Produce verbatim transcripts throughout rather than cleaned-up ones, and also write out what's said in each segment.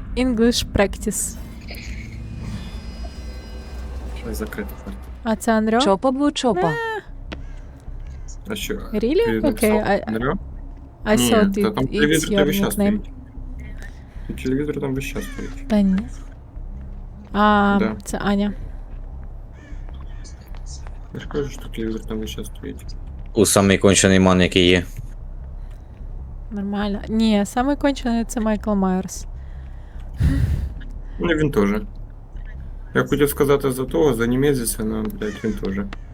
English practice. Щось закрито. А це Анрьо? Чопа бу чопа. А що? Really? Ти Окей, написав I- Андрю? I Ні, thought та it, там it's телевізор your там весь час nickname. стоїть. І телевізор там весь час стоїть. Та ні. А, Да. це Аня. Я ж кажу, що телевізор там весь час стоїть. У самий кончений ман, який є. Нормально. Ні, самий кончений це Майкл Майерс. Ну, він теж. Я хотів сказати за того, за німезіця, але, блядь, він теж.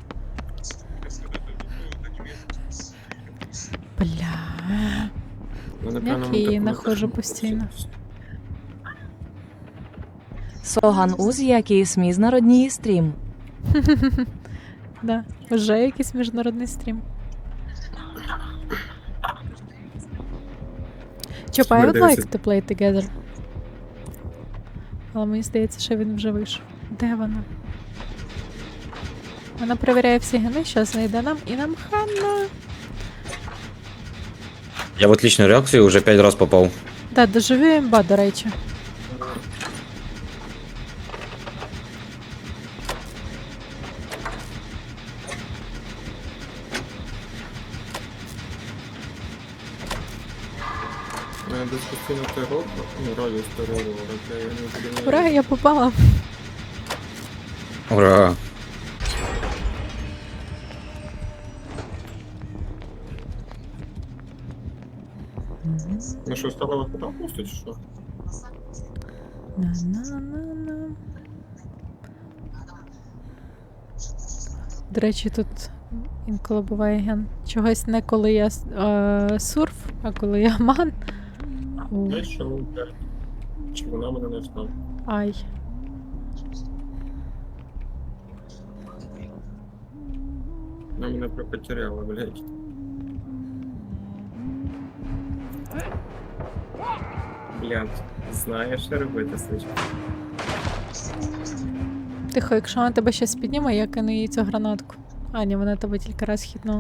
Бля. Ну, Як напевно, я її таку нахожу напишу. постійно. Соган уз якийсь міжнародний стрім. Да. Вже якийсь міжнародний стрім. Чопа, I would Дивиться. like to play together. Але мені здається, що він вже вийшов. Де вона? Вона перевіряє всі гени, зараз знайде нам і нам хана. Я в отличну реакцію вже п'ять раз попав. Да, доживі імба, до речі. У мене десь постійно терор, ну, радіус терору, але я не буду... Ура, я попала. Ура! Ну що, стала вас там пусто, чи що? На-на-на-на. До речі, тут інколи буває ген. Чогось не коли я е, сурф, а коли я ман. О, Я що, блядь. Чи вона мене не знала? ай. Вона мене потеряла, блядь. Блядь, знаєш, що робити, Сичка? Тихо, якщо вона тебе щас підніме, я кину їй цю гранатку. А, ні, вона тебе тільки раз хитнула.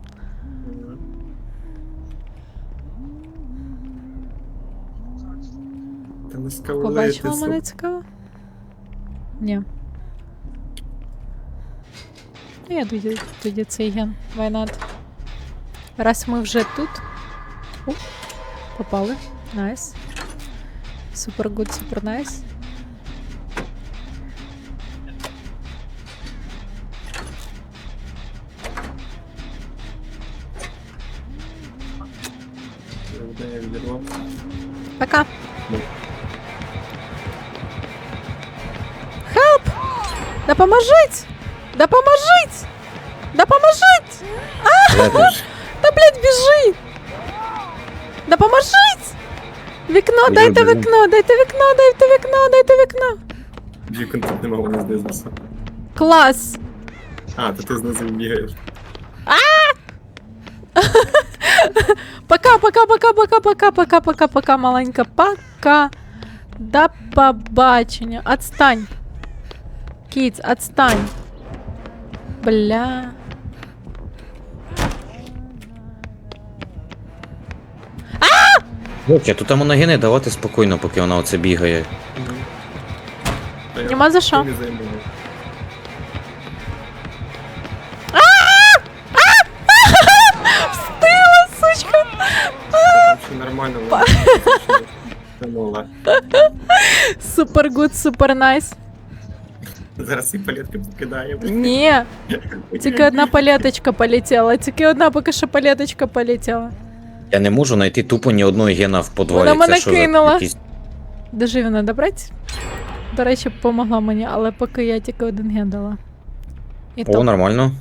Та не скавлити, Побачила сука. мене цікаво? Ні. Ну, я тоді, тоді цей ген. Why not? Раз ми вже тут. У, попали. Найс. Супер гуд, супер найс. Я від неї відірвав. Пока. Ну. Help! Допоможіть! Допоможіть! Допоможіть! Я теж. Та, блядь, біжи! Допоможіть! Вікно, Я дайте біжу. вікно, дайте вікно, дайте вікно, дайте вікно! Вікон тут нема, вона знизу. Клас! А, то ти знизу бігаєш. Пока, пока, пока, пока, пока, пока, пока, пока, маленька, пока. До побачення. Отстань. Кіц, отстань. Бля. Хлопче, тут там ноги не давати спокійно, поки вона оце бігає. Та я Нема за що. не займаю. Встигла, сучка. Там все нормально, вона тянула. Супер гуд, супер найс. Зараз і палетки покидає. Ні, тільки одна палеточка полетіла, тільки одна поки що палеточка полетіла. Я не можу знайти тупо ні одного гена в подвалі. Вона мене Це що за кинула. якісь- Дожив не добрати. До речі, помогла мені, але поки я тільки один ген дала. І О, то. нормально.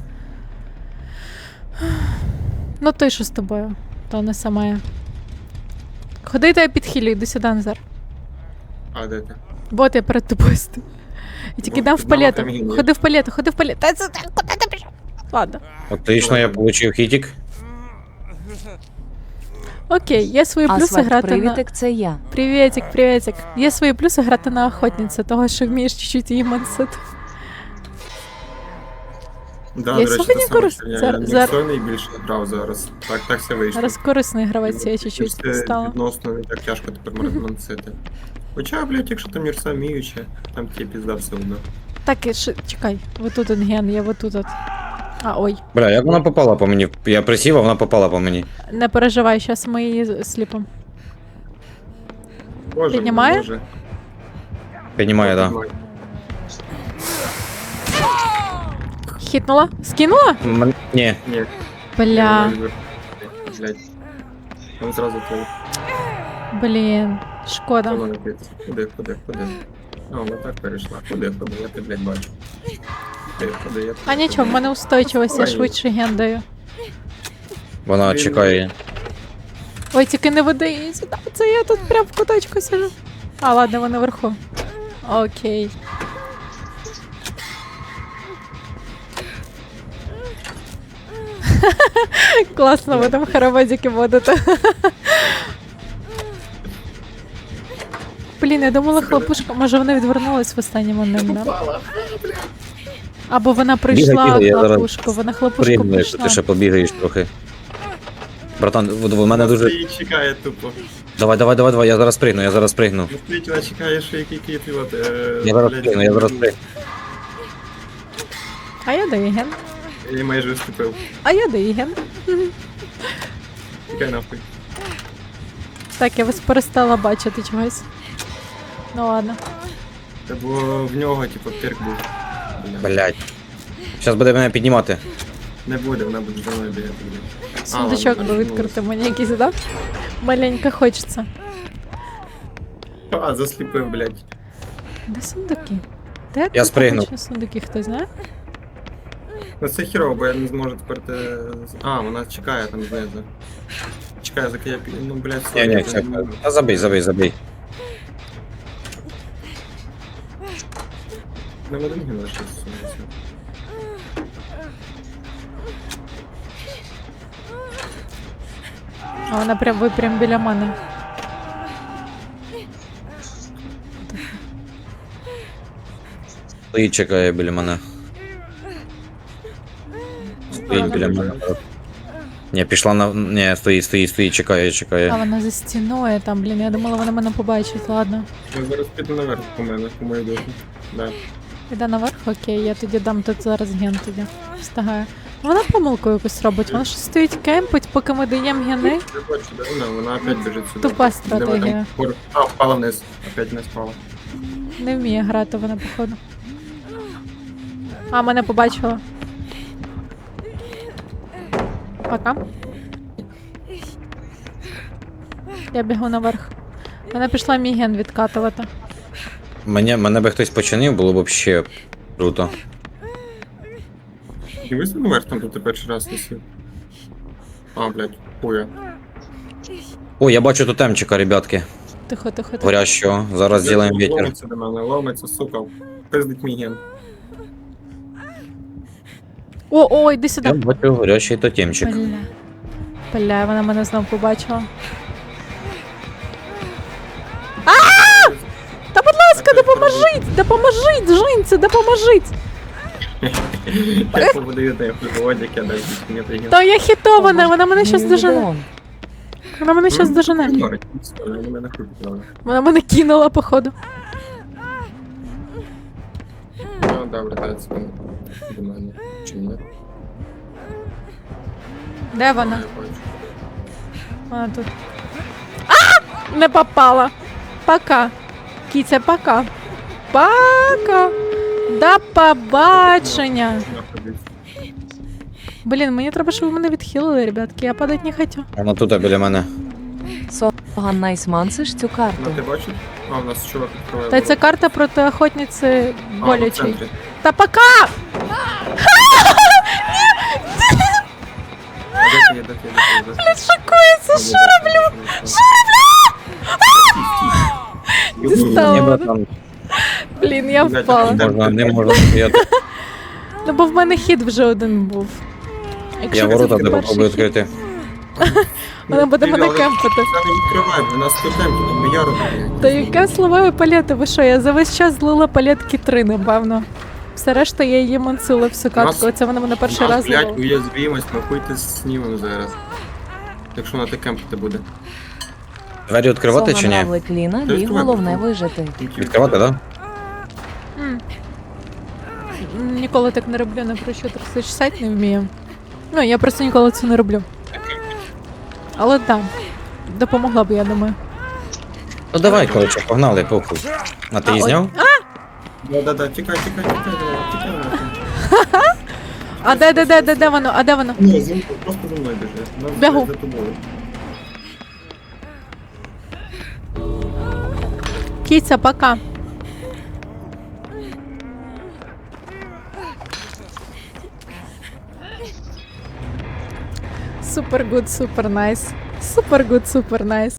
Ну той, що з тобою, то не сама я. Ходи та я підхилю, йди сюди, Назар. А, де ти? Вот я перед тобою стою. І тільки Вот, дам в під нами палету. там ген є. Ходи в палету, ходи в палету. Та це так, куди ти пішов? Ладно. Отлично, я получив хітик. Окей, є свої плюси Асфальт грати на... привітик, це я. Привітик, привітик. Є свої плюси грати на охотницю, того, що вмієш чуть-чуть її мансити. Да, Я до речі, сьогодні це саме, корис- що я зар- Ніксой зар- найбільше грав зараз. Так, так все вийшло. Зараз корисний гравець, я Ну, чуть-чуть це стала. Відносно не так тяжко тепер мансити. Хоча, блядь, якщо там Мірса вміючи, там тебе пізда все одно. Так, і ши- чекай, вот тут он ген, я вот тут от. А, ой. Бля, як вона попала по мені? Я присів, а вона попала по мені. Не переживай, зараз ми її сліпимо. Боже, Піднімає? Боже. Піднімає, да. Піднімає. Хітнула? Скинула? М- Ні. Ні. Бля, Блядь. Он зразу той. блін, шкода. Воно летить. Куди, куди, куди? А, вона так перейшла. Куди, куди, я тебе, блядь, бачу. Куди, куди, я тебе. А нічого, в мене устойчивість, я швидше ген даю. Вона Він- чекає. Ой, тільки не веди її сюди, це я тут прям в куточку сижу. А, ладно, вони вверху. Окей. Класно, ви там хороводики водите. Блін, я думала, хлопушка, може вони відвернулись в останній момент, да? Попала. Або вона прийшла бігай, я зараз хлопушку, вона хлопушку Пригну, якщо прийшла. ти ще побігаєш трохи. Братан, в в мене дуже. Стоїть, чекає тупо. Давай, давай, давай, давай, я зараз пригну, я зараз пригну. Ну, стоїть, вона чекає, що який кіт, і от, е, Я зараз блядь, пригну, я зараз пригну. А я даю ген. Я її майже вступив. А я даю ген. Чекай нахуй. Так, я вас перестала бачити чогось. Ну ладно. Це було в нього, типу, перк був. Бля. Блять. Зараз буде мене піднімати. Не буде, вона буде за мною бігати. блядь. А, Сундучок ладно, би вернулась. відкрити мені якийсь, да? Маленько хочеться. А, засліпив, блядь. Де сундуки? Де Я тут спригнув. обичні сундуки, хто знає? Ну це хірово, бо я не зможу тепер те... А, вона чекає там знизу. Чекає, заки я пі- Ну, блядь, все. Ні, ні, я все. не можу. Та забий, забий, забий. Не один ген лишився. все. А вона прям, ви прям біля мене. Стоїть, чекає біля мене. Стоїть Вона біля мене. Ні, пішла на. Ні, стоїть, стоїть, стоїть, чекає, А чекає. вона за стіною там, блін, я думала, вона мене побачить, ладно. Я зараз піду наверх по мене, по моїй духу. Да. Іде наверх, окей, я тоді дам тут зараз ген тоді. Встигаю. Вона помилку якусь робить, вона ж стоїть кемпить, поки ми даємо гени. Я бачу, да, вона, вона опять біжить сюди. Тупа Де вона там? стратегія. Пор- А, впала вниз. Опять не спала. Не вміє грати вона, походу. А, мене побачила. Пока. Я бігу наверх. Вона пішла мій ген відкатувати. Мене, мене би хтось починив, було б взагалі круто. Дивись наверх, там тут ти перший раз висів. А, блядь, хуя. О, я бачу тотемчика, ребятки. Тихо, тихо, тихо. Горящого. Зараз зробимо вітер. Ломиться до мене, ломиться, сука. Пиздить мій ген. О, о, йди Я сюди. бачу горящий тотемчик. Бля. Бля, вона мене знов побачила. А! Та будь ласка, допоможіть! Допоможіть, жінці, допоможіть! Я поводаю те хуйоводик, я даю мені той ген. Та я хітована, вона мене щас дожене. Мільйон. Вона мене щас дожене. Ігнорить, все, вони мене хуй підняли. Вона мене кинула, походу. Ну, добре, дається до мене. Чи ні? Де вона? Я бачу. Вона тут. А! Не попала. Пока. Кіця, пока. Пока. До побачення. Нахуй. Блін, мені треба, щоб ви мене відхилили, ребятки. Я падати не хочу. Вона тут біля мене. Соган найсмансиш цю карту. Ну, ти бачиш? А, у нас чувак відкриває. Та ця карта проти охотниці А, в болячий. центрі. Та пока! Де ти є, де ти є, де ти є? Шокується, що роблю? Що роблю? Дістала. Ні, братан, Блін, я Блядь, впала. де- можна, не можна стояти. Ну бо в мене хід вже один був. Якщо Я це ворота перший тебе попробую хід, відкрити. Вона буде мене Але кемпити. Та не відкривай, у нас тут темки, там мільярд. Та яке словове палети, ви що, я за весь час злила палетки три, напевно. Все решта я її мансила всю катку. Нас- Це вона мене перший У нас, раз блядь, зловила. уязвимость, ми хуйте знімемо зараз. Якщо на те кемпити буде. Двері відкривати чи Соган ні? равлик Ліна, Та бій відкривай, головне відкривай. вижити. Відкривати, так? М. М, Ніколи так не роблю, на про що тридцять шістдесят не вмію. Ну, я просто ніколи це не роблю. Але так, допомогла б, я думаю. Ну давай, коротше, погнали, похуй. А ти А, її ой. зняв? Да-да-да, тікай, тікай, тікай, давай, тікай. нахуй. А де, де, де, де, де воно? А де воно? Ні, за мною, просто за мною біжи. Нас Бягу. за тобою. Кіця, пока. Супер гуд, супер найс. Супер гуд, супер найс.